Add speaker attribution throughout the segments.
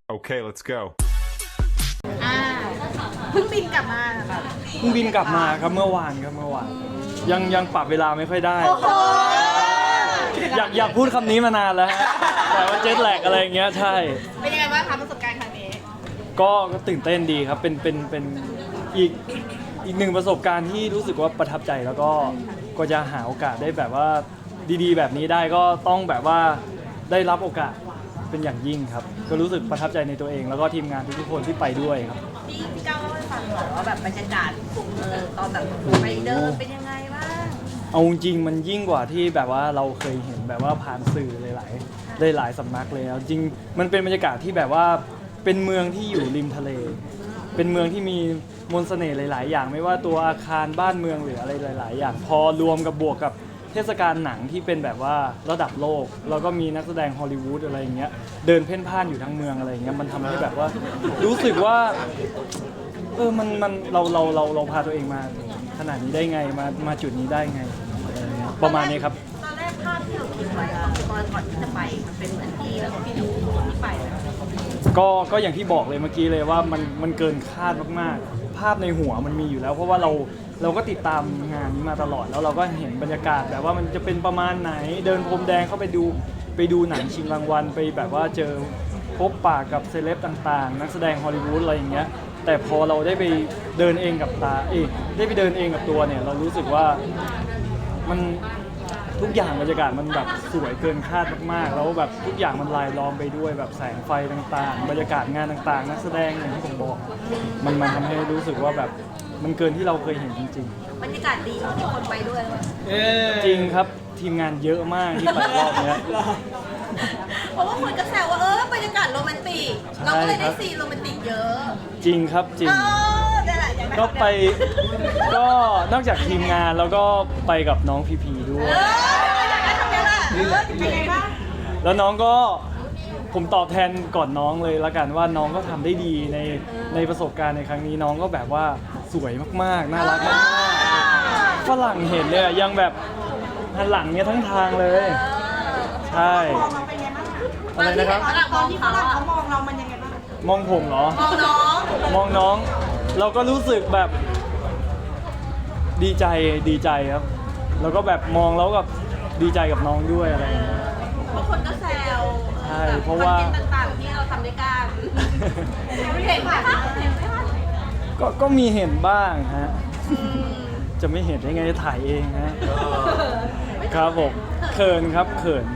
Speaker 1: Okay, let's go.
Speaker 2: อ่าเพิ่งบินกลับมาแบบ
Speaker 3: เพิ่งบินกลับมาครับเมื่อวานยังปรับเวลาไม่ค่อยได้
Speaker 2: โอ้โห
Speaker 3: อยากพูดคำนี้มานานแล้วฮะแต่ว่าเจ็ตแลกอะไรอย่างเงี้ยใช่
Speaker 2: เป็นยังไงบ้างคะประสบการณ์ครั้งนี้
Speaker 3: ก็ตื่นเต้นดีครับเป็นอีกหนึ่งประสบการณ์ที่รู้สึกว่าประทับใจแล้วก็จะหาโอกาสได้แบบว่าดีๆ แบบนี้ได้ก็ต้องแบบว่าได้รับโอกาสเป็นอย่างยิ่งครับก็รู้สึกประทับใจในตัวเอง แล้วก็ทีมงานทุกๆคนที่ไปด้วยครับ
Speaker 2: พี่ก้าวเล่าให้ฟังหน่อยว่าแบบบรรยากาศตอนแบบไปเดินเป็นยังไงบ้าง
Speaker 3: เอาจริงๆมันยิ่งกว่าที่แบบว่าเราเคยเห็นแบบว่าผ่านสื่อหลายสำนักเลยแล้วจริงมันเป็นบรรยากาศที่แบบว่าเป็นเมืองที่อยู่ริมทะเล เป็นเมืองที่มีมนต์เสน่ห์หลายๆอย่างไม่ว่าตัวอาคารบ้านเมืองหรืออะไรหลายๆอย่างพอรวมกับบวกกับเทศกาลหนังที่เป็นแบบว่าระดับโลกแล้วก็มีนักแสดงฮอลลีวูดอะไรอย่างเงี้ยเดินเพ่นพ่านอยู่ทั้งเมืองอะไรอย่างเงี้ยมันทำให้แบบว่ารู้สึกว่ามันเราพาตัวเองมาขนาดนี้ได้ไงมาจุดนี้ได้ไงอะไรอย่างเงี้ยประมาณนี้ครับ
Speaker 2: ตอนแรกภาพที่เราคิดไว้อะตอนก่อนที่จะไปมันเป็นเหมือนที่แล้วก็พี่ดูที่ไปเลย
Speaker 3: ก็อย่างที่บอกเลยเมื่อกี้เลยว่ามันเกินคาดมากๆภาพในหัวมันมีอยู่แล้ว เพราะว่าเราก็ติดตามงานนี้มาตลอดแล้วเราก็เห็นบรรยากาศแบบว่ามันจะเป็นประมาณไหนเดินพรมแดงเข้าไปดูหนังชิงรางวัลไปแบบว่าเจอพบปะกับเซเลบต่างๆ นักแสดงฮอลลีวูดอะไรอย่างเงี้ยแต่พอเราได้ไปเดินเองกับตาได้ไปเดินเองกับตัวเนี่ยเรารู้สึกว่ามันทุกอย่างบรรยากาศมันแบบสวยเกินคาดมากๆแล้วแบบทุกอย่างมันลายล้อมไปด้วยแบบแสงไฟต่างๆ บรรยากาศงานต่างๆ นักแสดงอย่างที่ผมบอกมันทำให้รู้สึกว่าแบบมันเกินที่เราเคยเห็นจริง
Speaker 2: บรรยากาศดีที่คนไปด้วย
Speaker 3: ๆ จริงครับทีมงานเยอะมากที่ไปรอบเนี้ย
Speaker 2: เพราะว่าคนก็แซวว่าบรรยากาศโรแมนติกเราก็เลยได้ซีนโรแมนติกเยอะ
Speaker 3: จริงครับจริง
Speaker 2: ได้แหละอย่างนั้น
Speaker 3: ก็ไปก็นอกจากทีมงานแล้วก็ไปกับน้องพีพีด้วย
Speaker 2: อย่างนั้นทำไงล่ะเป็นไงบ้าง
Speaker 3: แล้วน้องก็ผมตอบแทนก่อนน้องเลยละกันว่าน้องก็ทำได้ดีในประสบการณ์ในครั้งนี้น้องก็แบบว่าสวยมากๆน่ารักมากๆฝรั่งเห็นเนี่ยยังแบบหันหลังเนี่ยทั้งทางเลยใช่อะไรนะครับ
Speaker 2: ตอนที่ฝรั่งเขามองเรามันยังไงบ้าง
Speaker 3: มองผมเหรอ
Speaker 2: มองน้อง
Speaker 3: มองน้องเราก็รู้สึกแบบดีใจครับแล้วก็แบบมองแล้วกับดีใจกับน้องด้วยอะไรอย่างเงี้ย
Speaker 2: บางคนก็แซว
Speaker 3: ใช่เพราะว่า
Speaker 2: คอนเทนต์ต่างๆที่เราทำด้วยกันเห็นไหมคะเห็นไหมคะ
Speaker 3: ก็มีเห็นบ้างฮะจะไม่เห็นได้ไงถ่ายเองฮะครับผมเขินครับเขิน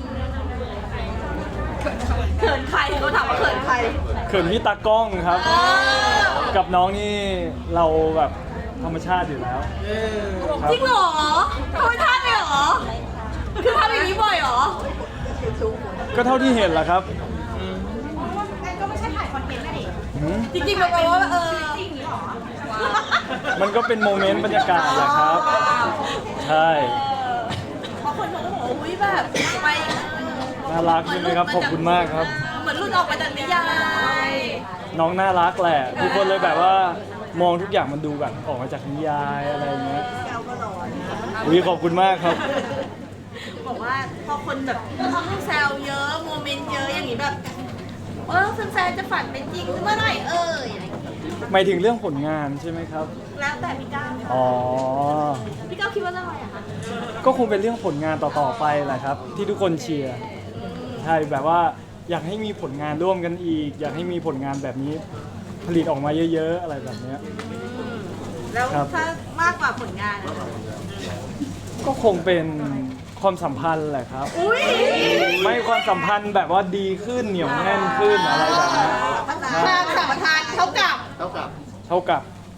Speaker 2: เขินใครเขาถามว่าเขินใคร
Speaker 3: เขินพี่ตากล้องครับ กับน้องนี่เราแบบธรรมชาติอยู่แล้วครับ
Speaker 2: จริงเหรอเขาไม่ท่าเลยเหรอ คือทำอย่างนี้บ่อยเหรอ
Speaker 3: ก็เท่าที่เห็นแหละครับ
Speaker 2: ก็ไม่ใช่ถ่ายคอนเทนต์นะดิ
Speaker 3: หืม
Speaker 2: จริงๆแบบว่าจริงเหรอ
Speaker 3: มันก็เป็นโมเมนต์บรรยากาศแหละครับ ใช่
Speaker 2: เพราะคนเขาก็บอกว่าอุ้ยแบบไป
Speaker 3: น่ารักใช่ไหมครับขอบคุณมากครับ
Speaker 2: เหมือนรุ่นออกมาจากนิยาย
Speaker 3: น้องน่ารักแหละทุกคนเลยแบบว่ามองทุกอย่างมันดูแบบออกมาจากนิยายอะไรอย่างเงี้ย
Speaker 2: แก้วก็ร้อน
Speaker 3: อุ๊ยขอบคุณมากครับ
Speaker 2: บอกว่าพอคนแบบแซวเยอะโมเมนต์เยอะอย่างนี้แบบแฟนๆจะฝันเป็นจริงเมื่อไหร่อะไรอย่างเงี้ย
Speaker 3: หมายถึงเรื่องผลงานใช่ไหมครับ
Speaker 2: แล้วแต่พี่ก้าว
Speaker 3: อ๋อ
Speaker 2: พี่ก้าวคิดว่าเรื่องอะไรอะคะ
Speaker 3: ก็คงเป็นเรื่องผลงานต่อๆไปแหละครับ ที่ทุกคนเชียร์ใช่แบบว่าอยากให้มีผลงานร่วมกันอีก อยากให้มีผลงานแบบนี้ผลิตออกมาเยอะๆอะไรแบบเนี้ย
Speaker 2: แล้ว
Speaker 3: ครับ
Speaker 2: ถ้ามากกว่าผลงานอะคะ
Speaker 3: ก็คงเป็นความสัมพันธ์แหละครับ
Speaker 2: อุ้ย
Speaker 3: ไม่ความสัมพันธ์แบบว่าดีขึ้นเหนียวแน่นขึ้นอะไรแบบนี้
Speaker 2: ความสัมพันธ์เท่ากับ
Speaker 3: เท่ากับ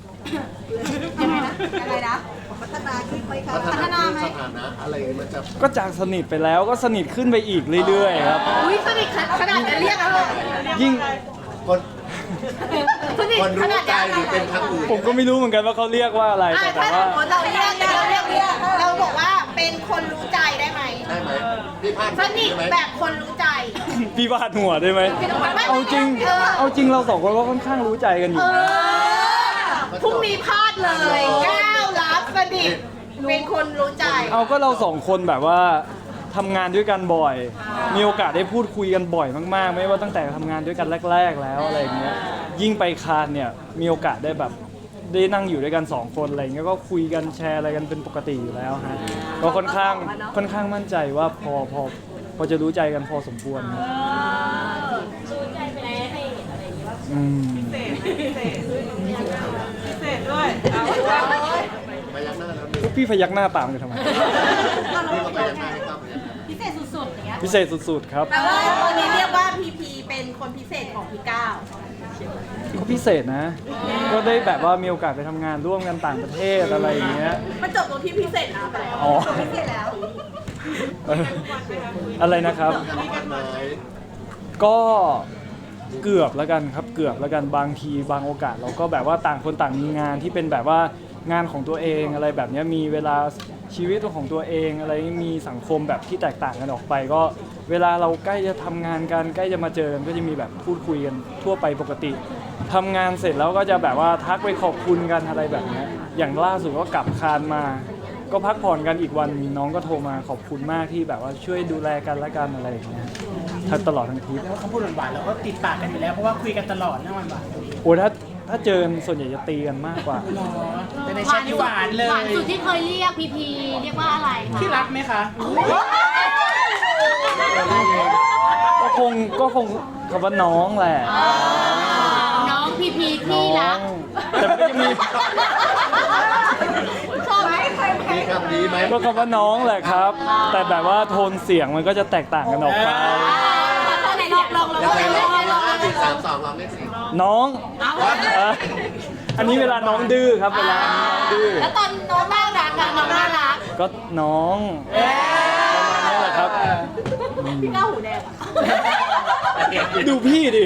Speaker 2: ยังไงนะพัฒนาขึ้นไหมคะพัฒนาไหม
Speaker 4: สถานะอะไรมันจะ
Speaker 3: ก็จากสนิทไปแล้วก็สนิทขึ้นไปอีกเรื่อยๆครับ
Speaker 2: อุ้ยสนิทขนาดจะเรียกอะไร
Speaker 3: ยิ่ง
Speaker 4: คน
Speaker 2: สนิท
Speaker 4: คน
Speaker 2: ข
Speaker 4: รู้
Speaker 2: นาด
Speaker 4: ใจหรือเป็นครั้งอื่น
Speaker 3: ผมก็ไม่รู้เหมือนกันว่าเขาเรียกว่าอะไรแต่
Speaker 2: ถ้าส
Speaker 3: ว่า
Speaker 2: มมติเราเรียกเราบอกว่าเป็นคนรู้ใจได้ไหม
Speaker 4: ได้ไหมพี่พลาด
Speaker 2: สนิท
Speaker 4: ใช่ไหม
Speaker 2: แบบคนรู้ใจ
Speaker 3: พี่บาดหัวได้ไหม
Speaker 2: ไม่
Speaker 3: เอาจริง
Speaker 2: เออ
Speaker 3: เอาจริงเราสองคนก็ค่อนข้างรู้ใจกันอยู่นะ
Speaker 2: พรุ่งนี้พลาดเลยก้าวรับสนิทเป็นคนรู้ใจ
Speaker 3: เอาก็เราสองคนแบบว่าทำงานด้วยกันบ่อย มีโอกาสได้พูดคุยกันบ่อยมากๆ ไม่ว่าตั้งแต่ทำงานด้วยกันแรก ๆ แล้วอะไรอย่างเงี้ยยิ่งไปคานเนี่ยมีโอกาสได้แบบได้นั่งอยู่ด้วยกัน2คนอะไรอย่างเงี้ยก็คุยกันแชร์อะไรกันเป็นปกติอยู่แล้วฮะก็ค่อนข้างมั่นใจว่าพอจะรู้ใจกันพอสมควรครับ
Speaker 1: รู้ใจไปแล้วให้เห็นอะไรอย่างเงี้ยว่า
Speaker 3: อืม
Speaker 2: เสร็จด้วยเอา
Speaker 4: ไปยักหน้าแล้วหนึ่ง
Speaker 3: พี่พยักหน้าตามกันทำไม
Speaker 4: พี่ก็ไปยักหน้าให้ครับ
Speaker 2: พิเศษสุดๆอย่างเงี้ย
Speaker 3: พิเศษสุดๆครับ
Speaker 2: แปลว่าตอนนี้เรียกว่าพีพีเป็นคนพิเศษของพี่ก้าว
Speaker 3: ก็พิเศษนะ ก็ได้แบบว่ามีโอกาสไปทำงานร่วมกันต่างประเทศอะไรอย่างเงี้ย
Speaker 2: มันจบตรงที่พิเศษนะไปแล้ว
Speaker 3: อ๋อ
Speaker 2: พิเศษแล้ว
Speaker 3: เอออะไรนะครับ
Speaker 4: มีกันไหม
Speaker 3: ก็เกือบแล้วกันครับเกือบแล้วกันบางทีบางโอกาสเราก็แบบว่าต่างคนต่างมีงานที่เป็นแบบว่างานของตัวเองอะไรแบบเนี้ยมีเวลาชีวิตของตัวเองอะไรมีสังคมแบบที่แตกต่างกันออกไป ก็เวลาเราใกล้จะทำงานกันใกล้จะมาเจอกันก็จะมีแบบพูดคุยกันทั่วไปปกติทำงานเสร็จแล้วก็จะแบบว่าทักไปขอบคุณกันอะไรแบบเนี้ยอย่างล่าสุดก็กลับคานมา ก็พักผ่อนกันอีกวันน้องก็โทรมาขอบคุณมากที่แบบว่าช่วยดูแลกันและกันอะไรอย่างเงี้ยทั้งตลอดทั้งทริป
Speaker 5: แล้วเขาพูดหวานๆเราก็ติดปากกันอยู่แล้วเพราะว่าคุยกันตลอดนะหวาน
Speaker 3: โอ้ถ้าเจอกันส่วนใหญ่จะตีกันมากกว่า
Speaker 5: ๆเนาะแต่ในแชทที่หวานเล
Speaker 1: หวาน
Speaker 5: ย
Speaker 1: สุดที่เคยเรียกพีพีเรียกว่าอะไรคะ
Speaker 5: ที่รักไหมคะ
Speaker 3: ก็คงคำว่าน้องแหละ
Speaker 1: น้องพีพี
Speaker 3: น้
Speaker 1: ที่
Speaker 3: อ
Speaker 1: รัก
Speaker 3: งแต่มันก็จะมี
Speaker 2: ชอบไหมเคยไหม
Speaker 4: มีคำนี้ไหม
Speaker 3: ก็คำว่าน้องแหละครับ แต่แบบว่าโทนเสียงมันก็จะแตกต่างกันออกไป
Speaker 1: ไหนลอง
Speaker 4: ยังไงลอง4 3 2ลองเลขสี่
Speaker 3: น้องเอ่ออันนี้เวลาน้องดื้อครับเวลาน้องดื้อ
Speaker 1: แล้วตอนน้องน่ารักอะน้องน่ารัก
Speaker 3: ก็น้องประมาณนี้แหละครับ
Speaker 2: พี่ก้าวหูแดงอะ
Speaker 3: ดูพี่ดิ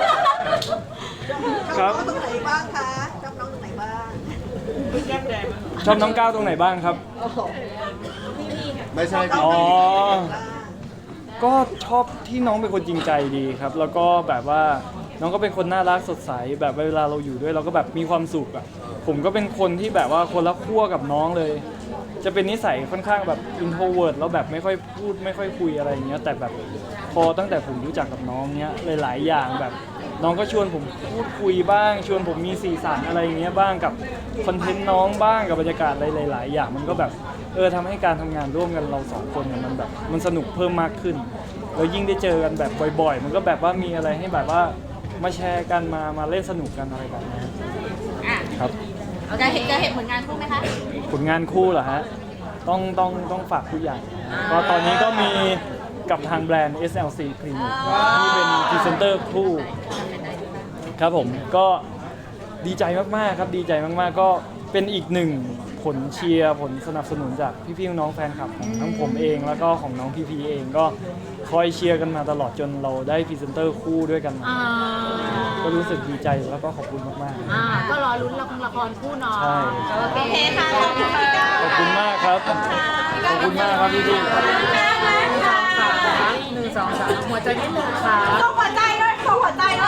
Speaker 3: ครับ
Speaker 2: ตรงไหนบ้างคะชอบน้องตรงไหนบ้าง
Speaker 3: ชอบน้องก้าวตรงไหนบ้างครับ
Speaker 4: ไม่ใช่พี่
Speaker 3: อ๋อ ก็ชอบที่น้องเป็นคนจริงใจดีครับ แล้วก็แบบว่าน้องก็เป็นคนน่ารักสดใสแบบเวลาเราอยู่ด้วยเราก็แบบมีความสุขอ่ะผมก็เป็นคนที่แบบว่าคนละขั้วกับน้องเลย จะเป็นนิสัยค่อนข้างแบบอินโทรเวิร์ตแล้วแบบไม่ค่อยพูดไม่ค่อยคุยอะไรอย่างเงี้ยแต่แบบพอตั้งแต่ผมรู้จักกับน้องเนี้ยหลายๆอย่างแบบ น้องก็ชวนผมพูดคุยบ้าง ชวนผมมีสีสันอะไรอย่างเงี้ยบ้างกับคอนเทนต์น้องบ้างกับบรรยากาศอะไรหลายๆอย่างมันก็แบบทำให้การทำงานร่วมกันเราสองคนเนี่ยมันแบบมันสนุกเพิ่มมากขึ้นแล้วยิ่งได้เจอกันแบบบ่อยๆ มันก็แบบว่ามีอะไรให้แบบว่ามาแชร์กันมาเล่นสนุกกันอะไรแบบนี้
Speaker 2: อ่ะ
Speaker 3: ครับ
Speaker 2: จะเห็นผลงานคู่ไหมคะ
Speaker 3: ผลงานคู่เหรอฮะต้องฝากผู้ใหญ่ก็ตอนนี้ก็มีกับทางแบรนด์ SLC Clinic ที่เป็นพรีเซนเตอร์คู่ครับผมก็ดีใจมากๆครับดีใจมากๆก็เป็นอีกหนึ่งผลเชียร์ผลสนับสนุนจากพี่ๆน้องๆแฟนคลับของทั้งผมเองแล้วก็ของน้องพีเองก็คอยเชียร์กันมาตลอดจนเราได้พรีเซนเตอร์คู่ด้วยกันมา
Speaker 1: อ่า
Speaker 3: ก็รู้สึกดีใจแล้วก็ขอบคุณมากๆ
Speaker 1: ก็รอลุ้นละครคู่เนาะ
Speaker 3: ใช่
Speaker 1: โอเค
Speaker 2: โอเคค่ะขอบคุณพี่ก้าว
Speaker 3: ขอบคุณมากครับ ขอบคุณมากครับพี่
Speaker 5: 1 2 3หัวใจนิดนึงค่ะ
Speaker 2: ส่งหัวใจด้วยส่งหัวใจด้วย